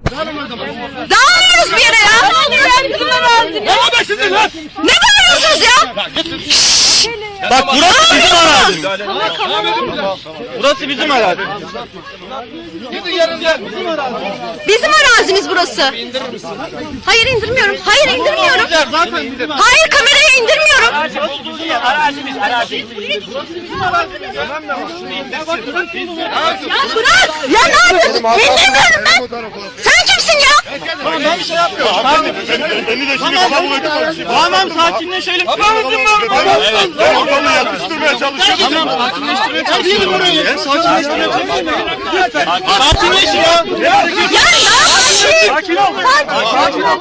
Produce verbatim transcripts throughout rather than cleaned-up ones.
Dağılmıyoruz bir yere ya. Ne bağırıyorsunuz ya? Bak burası bizim arazimiz. Burası bizim arazimiz. Bizim arazimiz burası. Hayır indirmiyorum. Hayır indirmiyorum. Hayır kamerayı indirmiyorum. Arazimiz, arazimiz. Ya bırak. Ya ne yapıyorsun? İndirmiyorum ben. Sen kimsin ya? Ben bir şey yapmıyorum. Beni de şimdi kafamı ödüm. Tamam sakinleşelim. Tamam Ben ortamı yakıştırmaya çalışıyorum. Tamam sakinleştirmeye çalışıyorum. Ben sakinleştirmeye çalışıyorum. Sakinleş ya. Ya ne yapıyorsun? Sakin ol. Sakin ol.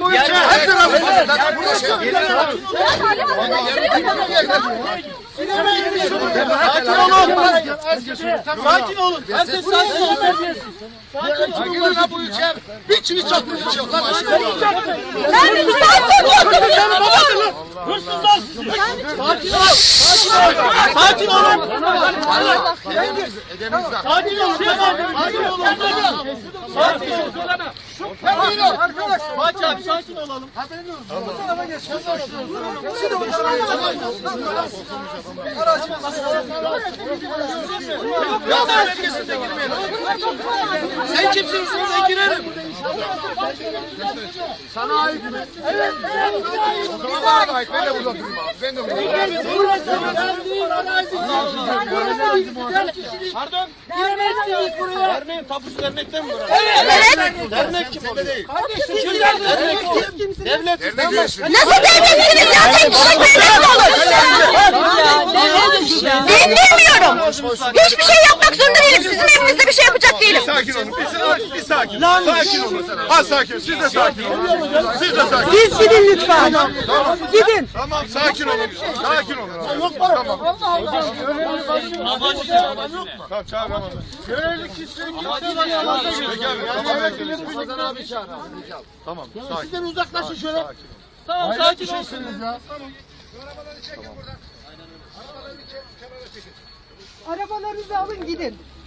Sakin olun. Herkes sakin olun. Sakin olun. Bu ülke bir çivi çakmış hiç yok. Ben bir Hırsızlar. Sakin ol. Sakin olun. Sakin olun. Sakin olun. Sakin olun. Arkadaş. Fatih abi sakin olalım. Ya bölgesinde girmeyelim. Sen kimsin? Sen girelim. Sana ait mi? Evet. O zaman bana ait. Ben de burada durayım abi. Ben de burada durayım. Pardon. Giremezsiniz buraya. Derneğin tapusu dernekten mi burası? Evet. Dernek kim oluyor? Kim Dernek kim? Devlet. Dernek üyesi. Nasıl devletsiniz ya? Tek kişilik devlet mi olur? İndirmiyorum. Hiçbir şey yapmak zorunda değilim. Sizin evinizde bir şey yapacak değilim. Sakin olun. Bir, bir sakin. Sakin olun. Az sakin. Siz de sakin olun. Siz de sakin. Siz gidin lütfen. Gidin. Tamam sakin olun. Sakin olun. Yok para. Tamam. Tamam çağır ama. Görevli kişilik Tamam. Sakin. Sizden uzaklaşın şöyle. Tamam sakin ol. Ya. Tamam. Arabaları çekin buradan. Arabaları çekin. Kenara çekin. Arabalarınızı alın gidin.